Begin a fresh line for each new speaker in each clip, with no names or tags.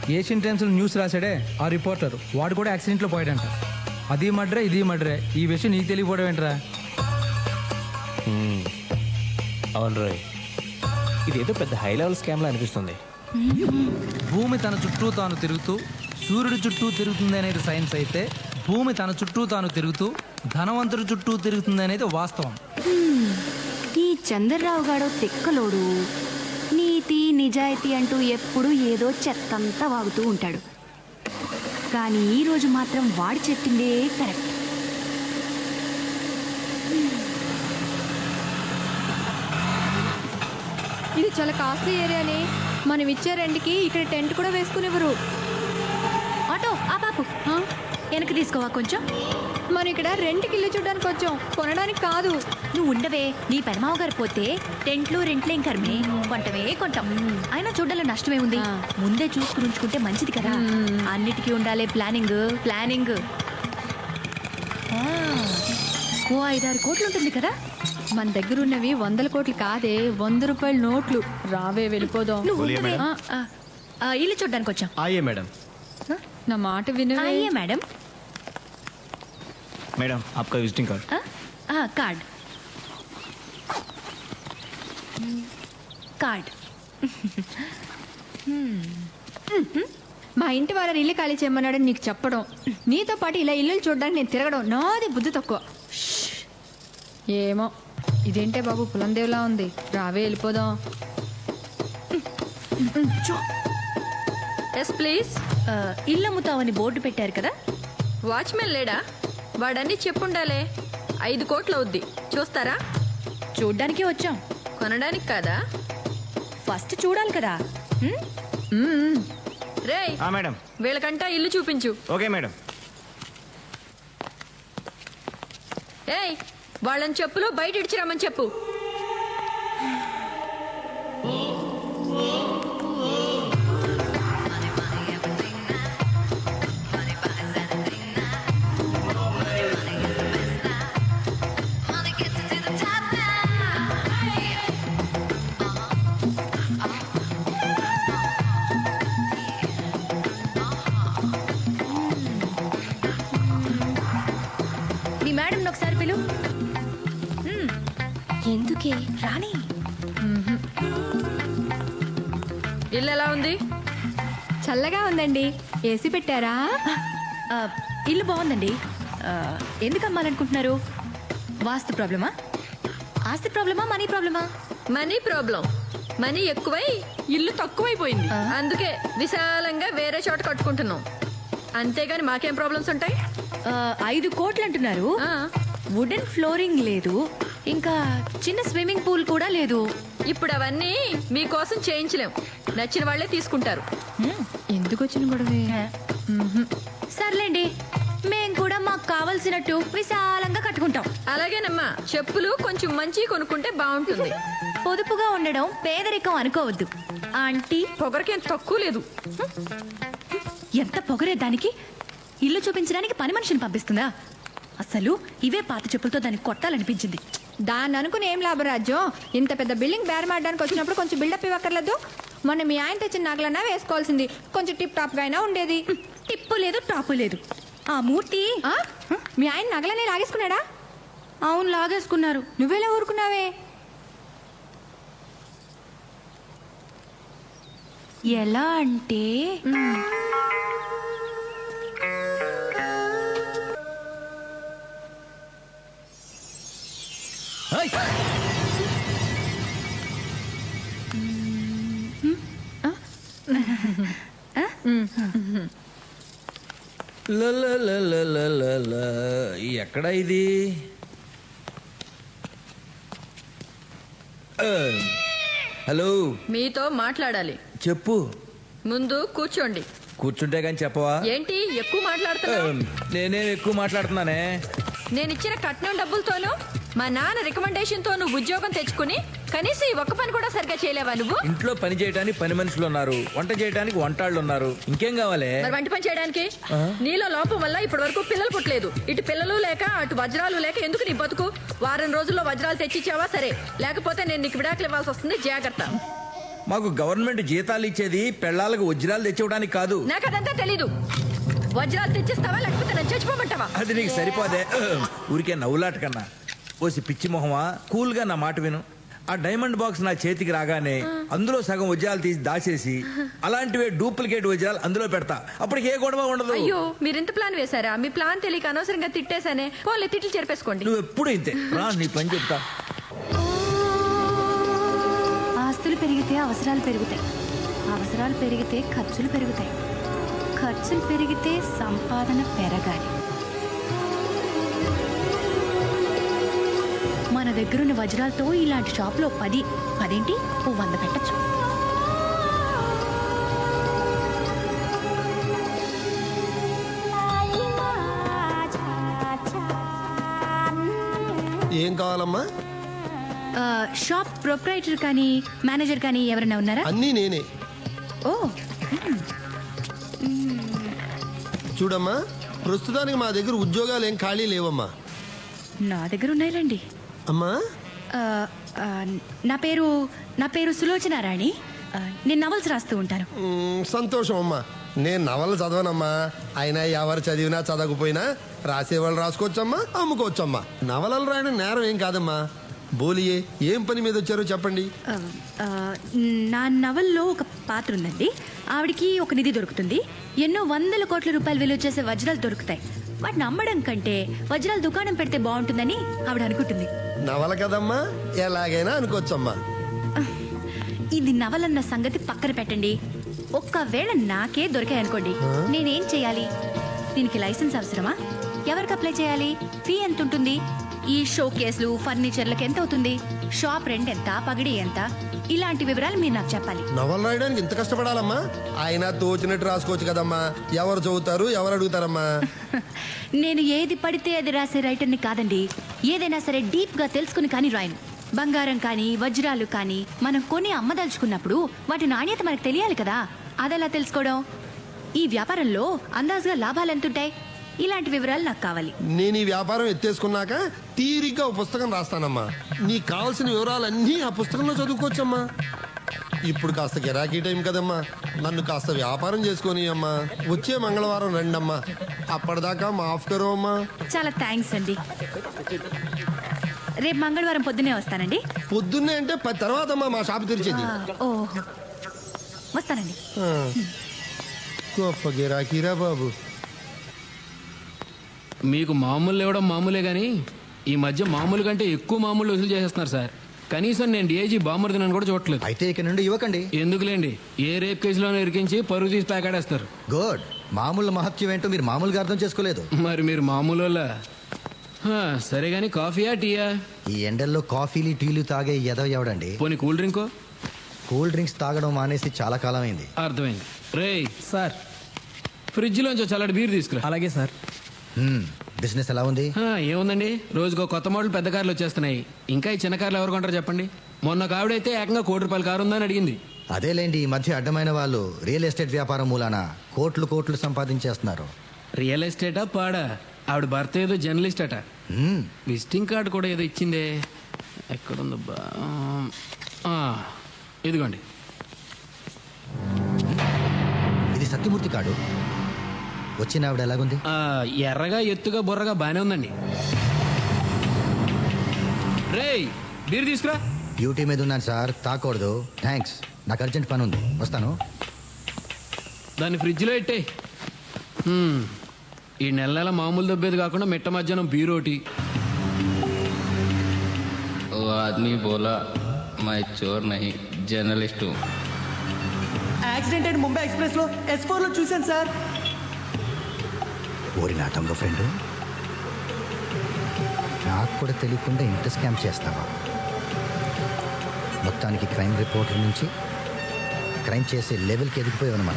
Asian టైమ్స్లో news రాశాడే ఆ reporter, వాడు కూడా యాక్సిడెంట్లో పోయాడంట. అది మడ్రే ఇది మడ్రే, ఈ విషయం నీకు తెలియపోవడం ఏంట్రా?
అవును రోయ్, ఇదేదో పెద్ద హై లెవెల్ స్కామ్లా అనిపిస్తుంది.
భూమి తన చుట్టూ తాను తిరుగుతూ సూర్యుడి చుట్టూ తిరుగుతుంది అనేది సైన్స్ అయితే, భూమి తన చుట్టూ తాను తిరుగుతూ ధనవంతుడి చుట్టూ తిరుగుతుంది అనేది వాస్తవం.
ఈ చంద్రరావు గాడో తిక్కలోడు, నీతి నిజాయితీ అంటూ ఎప్పుడు ఏదో చెత్తంతా వాగుతూ ఉంటాడు. కానీ ఈరోజు మాత్రం వాడు చెప్పిందే కరెక్ట్.
ఇది చాలా కాస్ట్లీ ఏరియాని, మనం ఇచ్చే రెంట్కి ఇక్కడ టెంట్ కూడా వేసుకునేవారు.
ఆటో ఆ పాపు వెనక్కి తీసుకోవా కొంచెం.
మనం ఇక్కడ రెంట్కి ఇల్లు చూడడానికి వచ్చాం, కొనడానికి కాదు.
నువ్వు ఉండవే, నీ పెనమావ గారు పోతే టెంట్లు రెంట్లేం కర్మే, కొంటమే కొంటాం. అయినా చూడాలి నష్టమే ఉంది. ముందే చూసుకుని ఉంచుకుంటే మంచిది కదా. అన్నిటికీ ఉండాలి ప్లానింగ్ ప్లానింగ్. ఓ 5-6 కోట్లు ఉంటుంది కదా.
మన దగ్గర ఉన్నవి 100 కోట్లు కాదే, 100 రూపాయల నోట్లు. రావే వెళ్ళిపోదాం.
నువ్వు ఉండవే. ఇల్లు చూడడానికి వచ్చాం.
ఆయే మేడం.
నా మాట వినవే.
అయ్యే మేడం.
మేడం आपका विजिटिंग कार्ड.
Card card.
మా ఇంటి వాళ్ళని ఇల్లు ఖాళీ చేయమన్నాడని నీకు చెప్పడం, నీతో పాటు ఇలా ఇల్లు చూడడానికి నేను తిరగడం నాది బుద్ధి తక్కువ. ఏమో ఇదేంటే బాబు పులందేవ్లా ఉంది. రావే వెళ్ళిపోదాం.
Yes please.
ఇల్లు అమ్ముతావని బోర్డు పెట్టారు కదా.
వాచ్మెన్ లేడా? వాడన్నీ చెప్పుండాలే. 5 కోట్లు అవుద్ది, చూస్తారా?
చూడ్డానికే వచ్చాం,
కొనడానికి కాదా?
ఫస్ట్ చూడాలి కదా.
రేయ్
మేడం.
వీళ్ళకంటా ఇల్లు చూపించు.
Okay madam.
ఏయ్ వాళ్ళని చెప్పులు బయట ఇడిచిరమ్మని చెప్పు.
నీ మేడం ఒకసారి పిలు. ఎందుకే రాణి.
ఇల్లు ఎలా ఉంది?
చల్లగా ఉందండి. ఏసీ పెట్టారా?
ఇల్లు బాగుందండి. ఎందుకు అమ్మాలనుకుంటున్నారు? వాస్తు ప్రాబ్లమా, ఆస్తి ప్రాబ్లమా, మనీ ప్రాబ్లమా?
Money problem. మనీ ఎక్కువై ఇల్లు తక్కువైపోయింది. అందుకే విశాలంగా వేరే చోట కట్టుకుంటున్నాం. అంతేగాని మాకేం ప్రాబ్లమ్స్ ఉంటాయి?
5 కోట్లు అంటున్నారు. వుడెన్ ఫ్లోరింగ్ లేదు, ఇంకా చిన్న స్విమ్మింగ్ పూల్ కూడా లేదు.
ఇప్పుడు అవన్నీ మీకోసం చేయించలేం. నచ్చిన వాళ్ళే తీసుకుంటారు.
ఎందుకు వచ్చిన గొడవే?
సర్లేండి, మేం కూడా మాకు కావలసినట్టు విశాలంగా కట్టుకుంటాం.
అలాగేనమ్మా, చెప్పులు కొంచెం మంచి కొనుక్కుంటే బాగుంటుంది.
పొదుపుగా ఉండడం పేదరికం అనుకోవద్దు ఆంటీ.
పొగరకేం తక్కువ లేదు.
ఎంత పొగరే దానికి. ఇల్లు చూపించడానికి పని మనిషిని పంపిస్తుందా? అసలు ఇవే పాత చెప్పులతో దాన్ని కొట్టాలనిపించింది.
దాన్ని అనుకుని ఏం లాభరాజ్యం. ఇంత పెద్ద బిల్డింగ్ బేరమాడడానికి వచ్చినప్పుడు కొంచెం బిల్డప్ ఇవ్వక్కర్లేదు. మొన్న మీ ఆయన తెచ్చిన నగలన్నా వేసుకోవాల్సింది. కొంచెం టిప్ టాప్ గా అయినా ఉండేది.
టిప్పు లేదు టాపు లేదు. ఆ మూర్తి
మీ ఆయన నగలనే లాగేసుకున్నాడా?
అవును లాగేసుకున్నారు.
నువ్వెలా ఊరుకున్నావే?
ఎలా అంటే
ఎక్కడ ఇది? హలో,
మీతో మాట్లాడాలి.
చెప్పు.
ముందు కూర్చోండి.
కూర్చుంటే కానీ చెప్పవా?
ఏంటి ఎక్కువ మాట్లాడుతున్నావు?
నేనేం ఎక్కువ మాట్లాడుతున్నానే?
నేను ఇచ్చిన కట్నం డబ్బులతోనూ మా నాన్న రికమెండేషన్ తో నువ్వు ఉద్యోగం తెచ్చుకుని కనీసం ఈ ఒక్క పని కూడా సరిగ్గా చేయలేవా నువ్వు?
ఇంట్లో పని చేయడానికి పని మనుషులు ఉన్నారు, వంట చేయడానికి వంటాళ్ళు ఉన్నారు, ఇంకేం కావాలి?
మరి వంట పని చేయడానికి నీలో లోపం వల్ల ఇప్పటి వరకు పిల్లలు పుట్టలేదు. ఇటు పిల్లలు లేక అటు వజ్రాలు లేక ఎందుకు నీ బతుకు? వారం రోజుల్లో వజ్రాలు తెచ్చిచ్చావా సరే, లేకపోతే నేను నీకు విడాకులు ఇవ్వాల్సి వస్తుంది. జాగ్రత్త.
మాకు గవర్నమెంట్ జీతాలు ఇచ్చేది పెళ్ళాలకు వజ్రాలు తెచ్చివ్వడానికి కాదు.
నాకు అదంతా తెలీదు. వజ్రాలు తెచ్చిస్తావా లేకపోతే నన్ను చచ్చిపోమంటావా?
అది నీకు సరిపోదే. ఊరికే నవ్వులాట కన్నా ఓసి పిచ్చి మొహమా, కూల్గా నా మాట విను. ఆ డైమండ్ బాక్స్ నా చేతికి రాగానే అందులో సగం వజ్రాలు తీసి దాచేసి అలాంటివే డూప్లికేట్ వజ్రాలు అందులో పెడతా. అప్పటికి ఏ గొడవ ఉండదు.
అయ్యో మీరు ఇంత ప్లాన్ వేశారా? మీ ప్లాన్ తెలియక అనవసరంగా తిట్టేశానే. పోలే తిట్లు చెరిపేసుకోండి.
నువ్వు ఎప్పుడు ఇంతే రా, నీ పని చెప్తా.
ఆస్తులు పెరిగితే అవసరాలు పెరుగుతాయి, అవసరాలు పెరిగితే ఖర్చులు పెరుగుతాయి, ఖర్చులు పెరిగితే సంపాదన పెరగాలి. మన దగ్గరున్న వజ్రాలతో ఇలాంటి షాప్లో 10 100 పెట్టచ్చు.
ఏం కావాలమ్మా?
షాప్ ప్రొప్రైటర్ కానీ మేనేజర్ కానీ ఎవరైనా ఉన్నారా?
అన్నీ నేనే.
ఓ
చూడమ్మా, ప్రస్తుతానికి మా దగ్గర ఉద్యోగాలు ఏం ఖాళీ లేవమ్మా.
నా దగ్గర ఉన్నాయిలండి.
అమ్మా,
ఆ, ఆ, నా పేరు సులోచన రాణి. నేను నవల్స్ రాస్తూ ఉంటాను.
సంతోషం అమ్మా. నేను నవలు చదవనమ్మా. అయినా ఎవరు చదివినా చదవకపోయినా రాసేవాళ్ళు రాసుకోవచ్చమ్మా, అమ్ముకోవచ్చమ్మా. నవలలు రాయడం నేరం ఏం కాదమ్మా. బోలియే, ఏం పని మీద వచ్చారో చెప్పండి.
ఆ, ఆ, నా నవల్లో ఒక పాత్ర ఉందండి. ఆవిడికి ఒక నిధి దొరుకుతుంది. ఎన్నో 100 కోట్ల రూపాయలు విలువ చేసే వజ్రాలు దొరుకుతాయి. వాటిని అమ్మడం కంటే వజ్రాల దుకాణం పెడితే బాగుంటుందని ఆవిడ అనుకుంటుంది.
నవల కదమ్మా, ఎలాగైనా అనుకోవచ్చమ్మా.
ఇది నవలన్న సంగతి పక్కన పెట్టండి. ఒక్కవేళ నాకే దొరికాయనుకోండి, నేనేం చేయాలి? దీనికి లైసెన్స్ అవసరమా? ఎవరికి అప్లై చేయాలి? ఫీ ఎంత ఉంటుంది? ఈ షో కేసులు ఫర్నిచర్లకు ఎంత అవుతుంది? షాప్ రెంట్ ఎంత? పగిడి ఎంత? ఇలాంటి వివరాలు మీరు నాకు చెప్పాలి.
నవలు రాయడానికి ఇంత కష్టపడాలమ్మా? ఆయన తోచినట్టు రాసుకోవచ్చు కదమ్మా. ఎవరు చదువుతారు, ఎవరు అడుగుతారమ్మా?
నేను ఏది పడితే అది రాసే రైటర్ని కాదండి. ఏదైనా సరే డీప్గా తెలుసుకుని కానీ రాయను. బంగారం కానీ వజ్రాలు కానీ మనం కొని అమ్మదలుచుకున్నప్పుడు వాటి నాణ్యత మనకు తెలియాలి కదా. అదెలా తెలుసుకోవడం? ఈ వ్యాపారంలో అందాజుగా లాభాలు ఎంతుంటాయి? ఇలాంటి వివరాలు నాకు కావాలి.
నేను ఈ వ్యాపారం ఎత్తేసుకున్నాక తీరిగ్గా ఓ పుస్తకం రాస్తానమ్మా. నీకు కావాల్సిన వివరాలన్నీ ఆ పుస్తకంలో చదువుకోవచ్చమ్మా. ఇప్పుడు కాస్త గిరాకీ టైం కదమ్మా, నన్ను కాస్త వ్యాపారం చేసుకొని అమ్మా. వచ్చే మంగళవారం రండమ్మా. అప్పటిదాకా మాఫ్ కరో అమ్మా.
చాలా థ్యాంక్స్ అండి. రేపు మంగళవారం పొద్దునే వస్తానండి.
పొద్దున్నే అంటే 10 తర్వాత అమ్మా మా షాప్ తెరిచేది.
ఓ వస్తానండి.
ఆ, గొప్ప గిరాకీరా బాబు.
మీకు మామూలు ఇవ్వడం మామూలే కానీ ఈ మధ్య మామూలు కంటే ఎక్కువ మామూలు వసూలు చేసేస్తున్నారు సార్. కనీసం నేను డిఐజీ బామ్మర్దినని కూడా చూడట్లేదు.
అయితే ఇక నుండి ఇవ్వకండి.
ఎందుకులేండి, ఏ రేప్ కేసులోనే ఇరికించి పరుగు తీసి ప్యాకాడేస్తారు.
గుడ్. మామూలు మహత్యం ఏంటో మీరు మామూలుగా అర్థం చేసుకోలేదు.
మరి మీరు మామూలు వాళ్ళ? సరే కానీ కాఫీయా టీయా?
ఈ ఎండల్లో కాఫీలు టీలు తాగే ఎదవ ఎవడండి?
పోనీ కూల్ డ్రింకో?
కూల్ డ్రింక్స్ తాగడం మానేసి చాలా కాలం అయింది.
అర్థమైంది. రేయ్
సార్.
ఫ్రిడ్జ్లోంచి చల్లటి బీర్ తీసుకురా.
అలాగే సార్.
బిజినెస్ ఎలా ఉంది?
ఏముందండి, రోజుకో కొత్త మోడల్ పెద్ద కార్లు వచ్చేస్తున్నాయి. ఇంకా ఈ చిన్న కార్లు ఎవరు కొంటారు చెప్పండి? మొన్న కావిడైతే ఏకంగా ₹1,00,00,000 కారు ఉందని అడిగింది.
అదేలేండి, ఈ మధ్య అడ్డమైన వాళ్ళు రియల్ ఎస్టేట్ వ్యాపారం మూలాన కోట్లు సంపాదించేస్తున్నారు.
రియల్ ఎస్టేటా పాడా? ఆవిడ భర్త ఏదో జర్నలిస్ట్ అట. విజిటింగ్ కార్డు కూడా ఏదో ఇచ్చిందే. ఎక్కడుందబ్బా? ఇదిగోండి.
ఇది సత్యమూర్తి కార్డు. వచ్చిన ఆవిడ ఎలాగుంది?
ఎర్రగా ఎత్తుగా బుర్రగా బానే ఉందండి. రేయ్ బీర్ తీసుకురా.
డ్యూటీ మీద ఉన్నాను సార్, తాకూడదు. థ్యాంక్స్, నాకు అర్జెంట్ పని ఉంది, వస్తాను.
దాన్ని ఫ్రిడ్జ్లో పెట్టే. ఈ నెల మామూలు దబ్బేది కాకుండా మిట్ట మధ్యాహ్నం బీరోటి.
वो आदमी बोला मैं चोर नहीं जर्नलिस्ट हूँ.
యాక్సిడెంట్ అయిన ముంబై ఎక్స్ప్రెస్ లో S4 లో చూశాను సార్.
ఓరి నా తమ్ముడు ఫ్రెండ్, నాకు కూడా తెలియకుండా ఇంత స్కామ్ చేస్తావా? మొత్తానికి క్రైమ్ రిపోర్టర్ నుంచి క్రైమ్ చేసే లెవెల్కి ఎదిగిపోయావు అనమాట.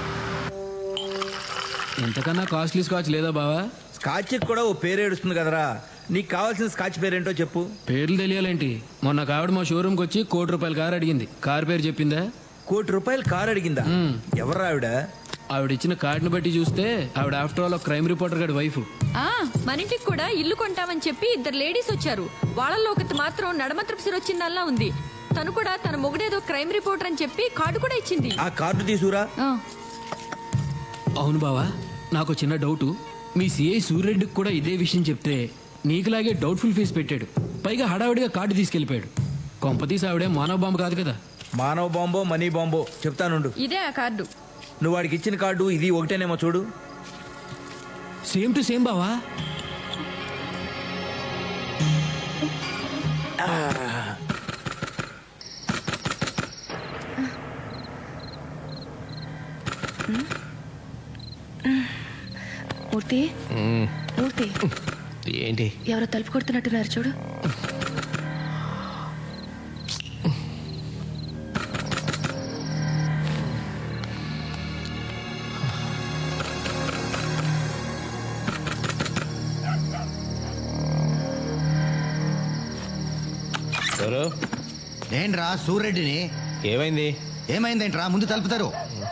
ఇంతకన్నా కాస్ట్లీ స్కాచ్ లేదా బావా?
స్కాచ్ కూడా ఓ పేరు ఏడుస్తుంది కదరా. నీకు కావాల్సిన స్కాచ్ పేరేంటో చెప్పు.
పేర్లు తెలియాలేంటి? మొన్న కావిడ మా షోరూమ్కి వచ్చి ₹1,00,00,000 కారు అడిగింది. కారు పేరు చెప్పిందా?
₹1,00,00,000 కారు అడిగిందా? ఎవరు ఆవిడ?
ఆవిడ ఇచ్చిన కార్డును బట్టి చూస్తే ఆవిడ ఆఫ్టర్ ఆల్ క్రైమ్ రిపోర్టర్ గారి వైఫ్.
మన ఇంటికి కూడా ఇల్లు కొంటామని చెప్పి 2 లేడీస్ వచ్చారు. వాళ్ళల్లో ఒకటి మాత్రం నడమ తృప్సి వచ్చిందల్లా ఉంది. తను కూడా తన మొగుడేదో క్రైమ్ రిపోర్టర్ అని చెప్పి కార్డు కూడా ఇచ్చింది.
ఆ కార్డు తీసుకురా.
అవును బావా, నాకు చిన్న డౌటు. మీ సిఐ సూర్యరెడ్డికి కూడా ఇదే విషయం చెప్తే నీకులాగే డౌట్ఫుల్ ఫేస్ పెట్టాడు. పైగా హడావిడిగా కార్డు తీసుకెళ్ళిపోయాడు. కొంపతీసి ఆవిడే మానవ బాంబు కాదు కదా.
మానవ బాంబో మనీ బాంబో చెప్తానుండు.
ఇదే ఆ కార్డు.
నువ్వు వాడికి ఇచ్చిన కార్డు ఇది ఒకటేనేమో చూడు.
సేమ్ టు సేమ్ బావా.
మూర్తి మూర్తి
ఏంటి?
ఎవరో తలుపు కొడుతున్నట్టున్నారు చూడు.
ఎవరు?
ఏంట్రా సూర్యరెడ్డిని?
ఏమైంది?
ఏమైందేంట్రా? ముందు తలుపుతారు.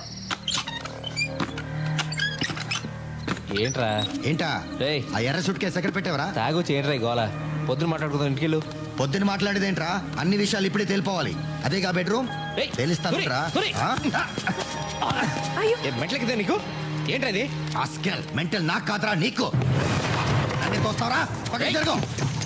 ఏంట్రా?
ఏంటా
రేయ్,
ఆ ఎర్ర సూట్ కేసు ఎక్కడ పెట్టావరా?
తాగొచ్చి ఏంట్రా ఈ గోల? పొద్దున మాట్లాడుకుందాం, ఇంటికెళ్ళు.
పొద్దున మాట్లాడేదేంట్రా? అన్ని విషయాలు ఇప్పుడే తెలిపోవాలి. అదేగా బెడ్రూమ్
ఏయ్,
తెలుస్తానురా.
సూరి, మెట్లకిదే నీకు ఏంట్రా ఇది?
మెంటల్ నాకు కాదురా నీకు. అన్ని తోస్తావరా? పక్కకి జరుగు.